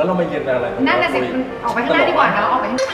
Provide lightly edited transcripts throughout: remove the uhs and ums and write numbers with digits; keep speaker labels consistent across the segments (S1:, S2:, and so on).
S1: แล้วเรามายืนอะไร
S2: นั่นน่ะสิออกไปข้างหน้าดีกว่าเนาะออกไปข้างหน้า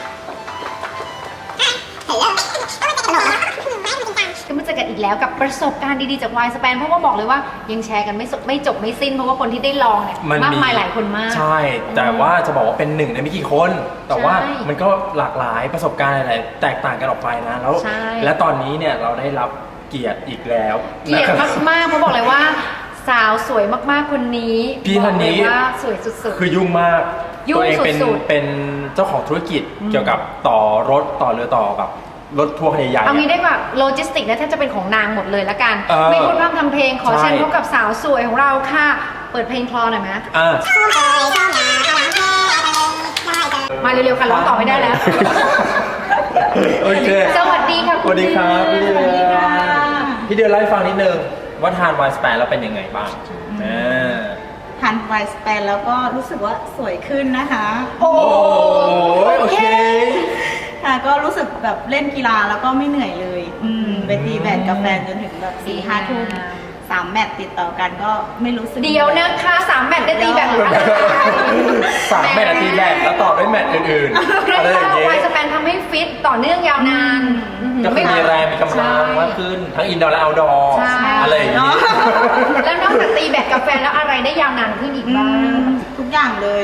S2: ก็มาเจอกันอีกแล้วกับประสบการณ์ดีๆจาก Y-Span เพราะว่าบอกเลยว่ายังแชร์กันไม่จบไม่สิ้นเพราะว่าคนที่ได้ลองเนี่ยมากมายหลายคนมาก
S1: ใช่แต่ว่าจะบอกว่าเป็นหนึ่งในไม่กี่คนแต่ว่ามันก็หลากหลายประสบการณ์อะไรแตกต่างกันออกไปนะแล้วและตอนนี้เนี่ยเราได้รับเกียรติอีกแล้ว
S2: เกียรติมากๆเพราะบอกเลยว่าสาวสวยมากๆคนนี้
S1: พี่ท่านนี้
S2: ว่าสวยสุดๆ
S1: คือยุ่งมากตัวเองเป็นเจ้าของธุรกิจเกี่ยวกับต่อรถต่อเรือต่อแบบรถทัวร์ใหญ่ๆ
S2: เอางี้ได้กว่าโลจิสติกนะแทบจะเป็นของนางหมดเลยละกันไม่พูดพร่ำทำเพลงขอเชิญพบกับสาวสวยของเราค่ะเปิดเพลงคลอหน่อยไหมมาเร็วๆค่ะร้องต่อไม่ได้แล้ว
S1: โอเค
S2: สวัสดีค่ะ
S1: สวัสดีครับพี่เดือนเล่าให้ฟังนิดนึงว่าทาน Y-Span แล้วเป็นยังไงบ้าง
S3: ทาน Y-Span แล้วก็รู้สึกว่าสวยขึ้นนะคะ
S1: โอเค
S3: ค่ะก็รู้สึกแบบเล่นกีฬาแล้วก็ไม่เหนื่อยเลยไปตีแบดกับแฟนจนถึงแบบ4-5 ทุ่ม3 แมตช์ติดต่อกันก็ไม่รู้สึก
S2: เดียวนะคะ3 แมตช์ได้ตีแบด
S1: 3 แมตช์ตีแบดแล้วต่อด้วยแมตช์อื่นๆอะไรอย่างเงี้ย
S2: Y-Span ทำให้ฟิตต่อเนื่องยาวนาน
S1: ก็คือมีแรงมีกำลังมากขึ้นทั้งอินดอร์และเอาท์ดอร์อะไรอย่างนี้
S2: แล้วนอกจากตีแบดกับแฟนแล้วอะไรได้ยาวนานขึ้นอีกบ้าง
S3: ทุกอย่างเลย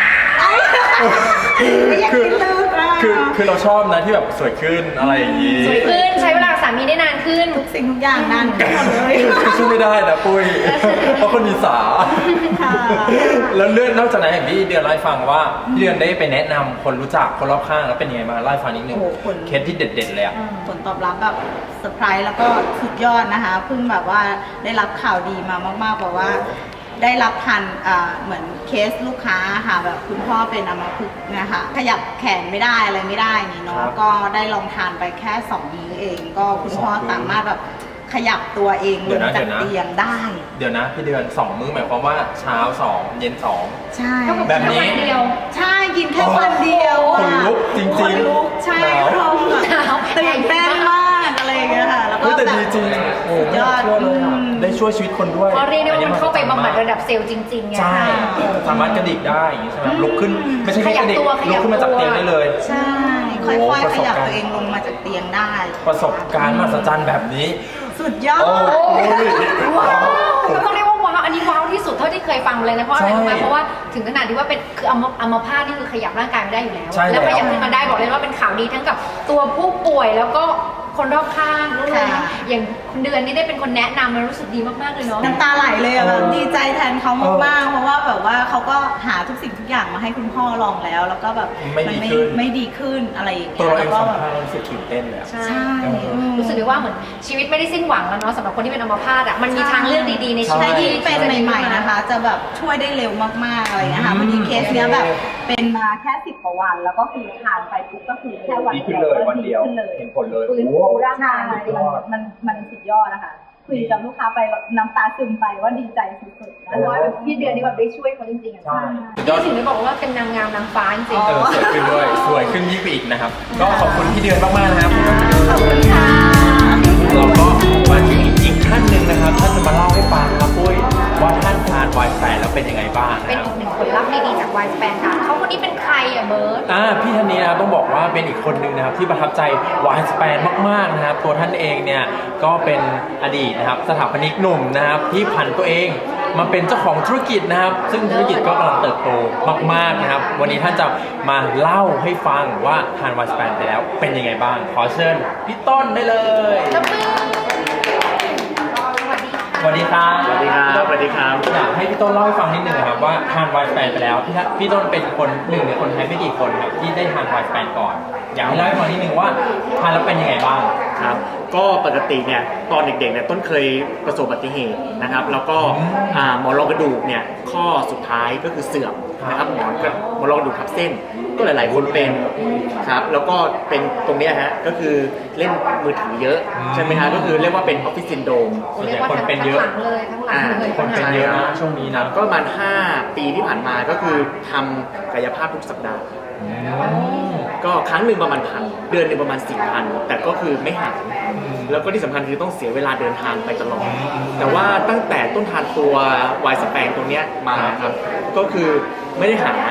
S1: คือเราชอบนะที่แบบสวยขึ้นอะไรอย่างนี้
S2: สวยขึ้นใช้เวลาสามีได้นานขึ้น
S3: ทุกสิ่งทุกอย่างนานขึ้นหมดเลย
S1: ช่วยไม่ได้นะปุ้ยเพราะคนมีสาแล้วเรื่องนอกจากนั้นอย่างที่เดือนเล่าให้ฟังว่าเดือนได้ไปแนะนำคนรู้จักคนรอบข้างแล้วเป็นยังไงมาเล่าให้ฟังนิดนึงเคสที่เด็ดๆเลยอะ
S3: ผลตอบรับแบบเซอร์ไพรส์แล้วก็สุดยอดนะคะเพิ่งแบบว่าได้รับข่าวดีมามากๆแบบว่าได้รับทันเหมือนเคสลูกค้าค่ะแบบคุณพ่อเป็นอัมพฤกษ์นะคะขยับแขนไม่ได้อะไรไม่ได้นี่เนาะก็ได้ลองทานไปแค่2 มื้อเองก็คุณพ่อสามารถแบบขยับตัวเองลงจากเตียงได้
S1: เดี๋ยวนะพี่เดือน2 มื้อหมายความว่าเช้า2เย็น2
S3: ใช่
S1: แบบนี้
S3: ใช่กินแค่วันเดียว
S1: คนลุกจริง
S3: ๆใช่พร้อมแบบตื่นเต้นมากอะไรอย่างเงี้ยค่ะแล้วก็
S1: แต่ดีจริงโอ้ยอดเลยได้ช่วยชีวิตคนด้วย
S2: เพราะเรียกได้ว่ามันเข้าไปบำบัดระดับเซลล์จริงๆไง
S1: ใช่สามารถกระดิกได้อย่างนี้ใช่ไหมลุกขึ้นไม่ใช่แค่กระดิกลุกขึ้นมาจากเตียงได้เลย
S3: ใช่ค่อยๆขยับตัวเองลงมาจากเตียงได้
S1: ประสบการณ์มหัศจรรย์แบบนี้
S3: สุดยอด
S2: ว้าวต้องเรียกว่าว้าวอันนี้ว้าวที่สุดเท่าที่เคยฟังเลยนะเพราะอะไรรู้ไหมเพราะว่าถึงขนาดที่ว่าเป็นคืออัมพาตนี่คือขยับร่างกายไม่ได้อยู่แล้วแล้วขยับขึ้นมาได้บอกเลยว่าเป็นข่าวดีทั้งกับตัวผู้ป่วยแล้วก็คนรอบข้างเลยอย่างคุณเดือนนี่ได้เป็นคนแนะนำมันรู้สึกดีมากๆเลยเนาะ
S3: น้ำตาไหลเลยอะแบบดีใจแทนเขามากๆเพราะว่าแบบว่าเขาก็หาทุกสิ่งทุกอย่างมาให้คุณพ่อลองแล้วก็แบบมันไม่ดีขึ้นอะไรอย่างเงี้
S1: ยแล้วก็แบบรู้สึกตื่นเต้นเลย
S2: ใช่รู้สึกได้ว่าเหมือนชีวิตไม่ได้สิ้นหวังแล้วเนาะสำหรับคนที่เป็นอัมพาตอะมันมีทางเลือกดีๆในชีวิต
S3: ที่เป็นใหม่ๆนะคะจะแบบช่วยได้เร็วมากๆอะไรเงี้ยค่ะพอดีเคสเนี้ยแบบเป็นมาแค่10 กว่าวันแล้วก็คือทานไปปุ๊บก็คือแค่วันเดียว
S1: เห็นผลเลย
S3: ฟื้นฟูร่างกายมันสุดยอดนะคะคุยกับลูกค้าไปน้ำตาซึมไปว่าดีใจสุดๆนะ
S2: ว่าพี่เดือนนี่แบบได้ช่วยเขาจริงๆใช่ที่ถึงได้บอกว่าเป็นนางงามนางฟ้าจริง
S1: สวยขึ้นด้วยสวยขึ้นยิ่งไปอีกนะครับก็ขอบคุณพี่เดือนมากๆนะครับ
S3: ขอบคุณค่ะ
S1: เราก็มาถึงอีกท่านหนึ่งนะครับท่านจะมาเล่าให้ฟังครับปุ้ยว่าท่านทาน Y-Span แล้วเป็นยังไงบ้าง
S2: เป็นอีกหนึ่งผลลัพธ์ดีๆจาก Y-Span ค่ะเขาคนนี้เป็นใครอะเบิร์ต
S1: พี่ท่านนี้นะต้องบอกว่าเป็นอีกคนหนึ่งนะครับที่ประทับใจ Y-Span มากๆนะครับตัวท่านเองเนี่ยก็เป็นอดีตนะครับสถาปนิกหนุ่มนะครับที่ผันตัวเองมาเป็นเจ้าของธุรกิจนะครับซึ่งธุรกิจก็กำลังเติบโตมากๆนะครับวันนี้ท่านจะมาเล่าให้ฟังว่าทาน Y-Span ไปแล้วเป็นยังไงบ้างขอเชิญพี่ต้นได้เลยสวัสดีครับ
S4: สวัสดีครับสวัสดีครับ
S1: อยากให้พี่ต้นเล่าให้ฟังนิดนึงครับว่าทาน Y-Span ไปแล้วพี่ต้นเป็นคนหนึ่งในคนไทยไม่กี่คนครับที่ได้ทาน Y-Span ก่อนอยากให้เล่าให้ฟังนิดนึงว่าทานแล้วเป็นยังไงบ้าง
S4: ครับก็ปกติเนี่ยตอนเด็กๆเนี่ยต้นเคยประสบอุบัติเหตุนะครับแล้วก็หมอนรองกระดูกเนี่ยข้อสุดท้ายก็คือเสื่อมนะครับหมอนรองกระดูกทับเส้นก็หลายๆคนเป็นครับแล้วก็เป็นตรงนี้ฮะก็คือเล่นมือถือเยอะใช่ไหมฮะก็คือเรียกว่าเป็นออฟฟิศซินโดรม
S2: ส่วนใหญ่คนเป็นเยอะทั้งหลังเลย
S1: คนเป็นเยอะนะช่วงนี้นะ
S4: ก็ประมาณ5 ปีที่ผ่านมาก็คือทำกายภาพทุกสัปดาห์ก็ครั้งหนึ่งประมาณ1,000เดือนหนึ่งประมาณ4,000แต่ก็คือไม่หายแล้วก็ที่สำคัญคือต้องเสียเวลาเดินทางไปตลอดแต่ว่าตั้งแต่ต้นทานตัวY-Spanตัวเนี้ยมาครับก็คือไม่ได้หา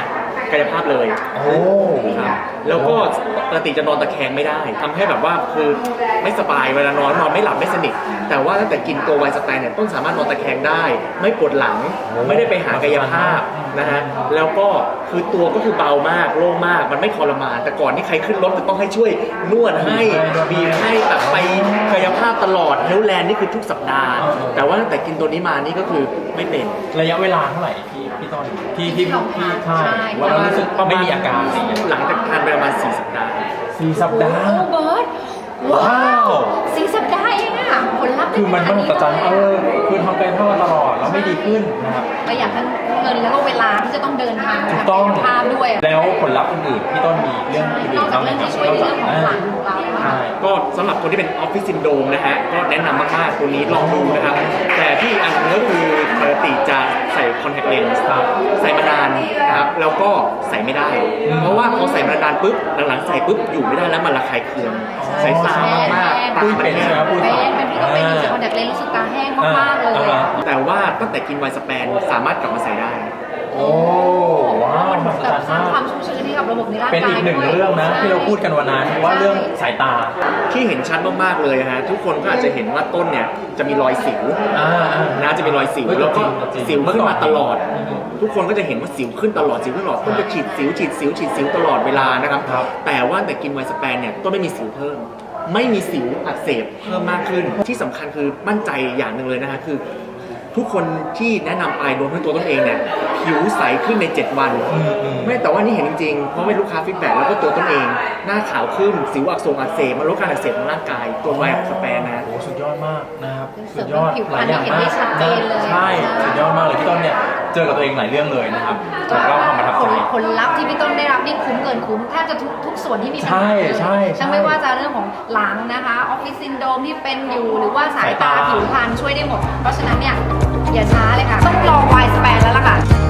S4: กายภาพเลย
S1: โอ้
S4: ครับแล้วก็ปกติจะนอนตะแคงไม่ได้ทำให้แบบว่าคือไม่สบายเวลานอนไม่หลับไม่สนิทแต่ว่าตั้งแต่กินตัวไวสแปนเนี่ยต้นสามารถนอนตะแคงได้ ไม่ปวดหลังไม่ได้ไปหากายภาพนะฮะแล้วก็คือตัวก็คือเบามากโล่งมากมันไม่ทรมานแต่ก่อนที่ใครขึ้นรถจะต้องให้ช่วยนวดให้บีบให้แบบไปกายภาพตลอดเฮลแลนด์นี่คือทุกสัปดาห์แต่ว่าตั้งแต่กินตัวนี้มานี่ก็คือไม่เป็น
S1: ระยะเวลาเท่าไหร่พี่ต้นที่ใช่
S2: ใช่
S1: ว่าเรารู้สึกไม่มีอาการอะไรอย่างเงี้ย
S4: หลังจากทานไปประมาณ4 สัปดาห์
S1: 4 สัปดาห์
S2: โอ้เบิร์ดว้า
S1: ว้าว
S2: ว4 สัปดาห์เองอะผลลัพธ์
S1: คือมัน
S2: ได้
S1: มหัศจรรย์
S2: ขนาดนี้เลย
S1: คือทำกายภาพมาตลอดแล้วไม่ดีขึ้นนะครับ
S2: ประหยัดทั้งเงินแล้วก็เวลาที่จะต้องเดินทาง
S1: ถูก
S2: ทำ
S1: ต้อง
S2: กายภาพด้วย
S1: แล้วผลลัพธ์อื่นๆพี่ต้นมีเรื่องอื่น
S2: นอก
S1: ๆ
S2: จาก
S1: บ้างไหม
S2: เรื่อง
S1: ครับ
S2: ที่ช่วยในเรื่องของหลังของเราอะ
S1: ใช่
S4: ก็สำหรับคนที่เป็นออฟฟิศซินโดรมนะฮะก็แนะนำมากๆตัวนี้ลองดูนะครับ แต่ที่อันนึงก็คือปกติจะใส่คอนแทคเลนส์
S1: ครับ
S4: ใส่มานานนะครับแล้วก็ใส่ไม่ได้ เพราะว่าพอใส่มานานปุ๊บหลังๆใส่ปุ๊บอยู่ไม่ได้แล้วมันระคายเคืองใส่ตามากๆ
S1: ปุ้ยเป็นใช่ไหมปุ้ย
S2: เป็นพี่ก็เป็นอยู่จากคอนแทคเลนส์รู้สึกตาแห้งมากๆเลย
S4: แต่ว่าตั้งแต่กินไวสแปนสามารถกลับมาใส่ได้
S1: โอ้ว้าวมหัศ
S2: แบ
S1: จร
S2: บ
S1: รย์
S2: สร้าง
S1: มาก
S2: ความชุ่มชื้นให้กับระบบในร่างกาย
S1: เป็นอีกหนึ่ง
S2: ด้วย
S1: เรื่องนะที่เราพูดกันวันนั้นว่าเรื่องสายตา
S4: ที่เห็นชัดมากๆเลยฮะทุกคนก็อาจจะเห็นว่าต้นเนี่ยจะมีรอยสิว นะจะมีรอยสิว
S1: เฮ้ย
S4: แล้วก็
S1: จริงๆ
S4: สิวขึ้นมาตลอด
S1: อืม
S4: ทุกคนก็จะเห็นว่าสิวขึ้นตลอดสิวขึ้นตลอดต้นจะฉีดสิวตลอดเวลานะครับ
S1: ครับ
S4: แต่ว่าแต่กินไวสแปนเนี่ยต้นไม่มีสิวเพิ่ม ไม่มีสิวอักเสบเพิ่มมากขึ้น ที่สำคัญคือมั่นใจอย่างหนึ่งเลยนะฮะคือ ทุกคนที่แนะนำไปรวมทั้งตัวต้นเองเนี่ยผิวใสขึ้นใน 7 วัน ไม่แต่ว่านี่เห็นจริงๆ เพราะไม่ลูกค้าฟีดแบ็กแล้วก็ตัวต้นเอง หน้าขาวขึ้นสิวอักเสบมันลดการอักเสบของร่างกายตัวไวสแปนนะ
S1: โอ้สุดยอดมากนะครับ
S2: เสริ
S1: สุ
S2: ม
S1: ดยอด
S2: ผิวพ
S1: ห
S2: รร
S1: ลา
S2: ณ
S1: ยอย่าง
S2: เห็น
S1: มา
S2: ได้
S1: ก
S2: ชัดเจนเลย
S1: ใช่สุดยอดมากเลยพี่ต้นเนี่ยเจอกับตัวเองหลายเรื่องเลยนะครับแล้วก็ความประทับใจ
S2: ผลลัพธ์ที่พี่ต้นได้รับนี่คุ้มเกินคุ้มแทบจะทุกส่วนที่มีปัญหาเลย
S1: ใช่
S2: ทั้งไม่ว่าจะเรื่องของหลังนะคะออฟฟิศซินโดรมที่เป็นอยู่หรือว่าสายตา
S1: สายตา
S2: ผิวพรรณช่วยได้หมด เพราะฉะนั้นเนี่ยอย่าช้าเลยค่ะ ต้องลองวายสแปนแล้วล่ะค่ะ